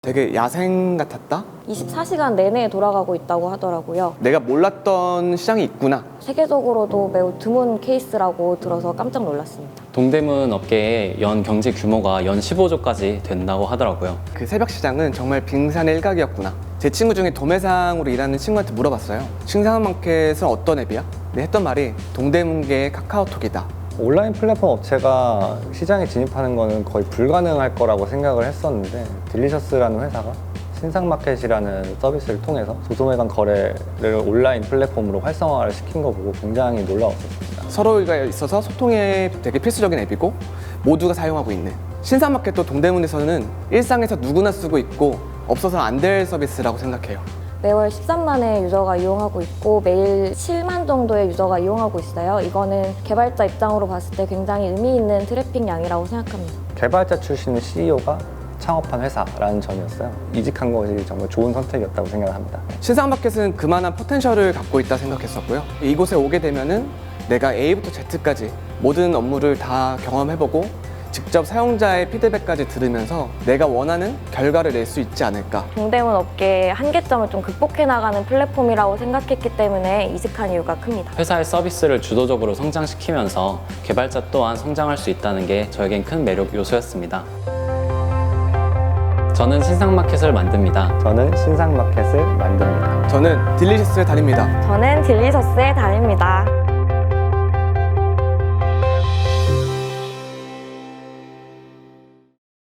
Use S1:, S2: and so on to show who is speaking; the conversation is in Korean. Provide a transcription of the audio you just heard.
S1: 되게 야생 같았다?
S2: 24시간 내내 돌아가고 있다고 하더라고요.
S1: 내가 몰랐던 시장이 있구나.
S2: 세계적으로도 매우 드문 케이스라고 들어서 깜짝 놀랐습니다.
S3: 동대문 업계의 연 경제 규모가 연 15조까지 된다고 하더라고요.
S1: 그 새벽 시장은 정말 빙산의 일각이었구나. 제 친구 중에 도매상으로 일하는 친구한테 물어봤어요. 신상마켓은 어떤 앱이야? 근데 했던 말이 동대문계의 카카오톡이다.
S4: 온라인 플랫폼 업체가 시장에 진입하는 거는 거의 불가능할 거라고 생각을 했었는데 딜리셔스라는 회사가 신상마켓이라는 서비스를 통해서 소소매간 거래를 온라인 플랫폼으로 활성화를 시킨 거 보고 굉장히 놀라웠었습니다.
S1: 서로가 있어서 소통에 되게 필수적인 앱이고 모두가 사용하고 있는 신상마켓도 동대문에서는 일상에서 누구나 쓰고 있고 없어서 안 될 서비스라고 생각해요.
S2: 매월 13만의 유저가 이용하고 있고 매일 7만 정도의 유저가 이용하고 있어요. 이거는 개발자 입장으로 봤을 때 굉장히 의미 있는 트래픽 양이라고 생각합니다.
S4: 개발자 출신의 CEO가 창업한 회사라는 점이었어요. 이직한 것이 정말 좋은 선택이었다고 생각을 합니다.
S1: 신상마켓은 그만한 포텐셜을 갖고 있다 생각했었고요. 이곳에 오게 되면은 내가 A부터 Z까지 모든 업무를 다 경험해보고 직접 사용자의 피드백까지 들으면서 내가 원하는 결과를 낼 수 있지 않을까.
S2: 동대문 업계의 한계점을 좀 극복해 나가는 플랫폼이라고 생각했기 때문에 이직한 이유가 큽니다.
S3: 회사의 서비스를 주도적으로 성장시키면서 개발자 또한 성장할 수 있다는 게 저에겐 큰 매력 요소였습니다. 저는 신상마켓을 만듭니다.
S4: 저는 신상마켓을 만듭니다.
S1: 저는 딜리셔스에 다닙니다.
S2: 저는 딜리셔스에 다닙니다.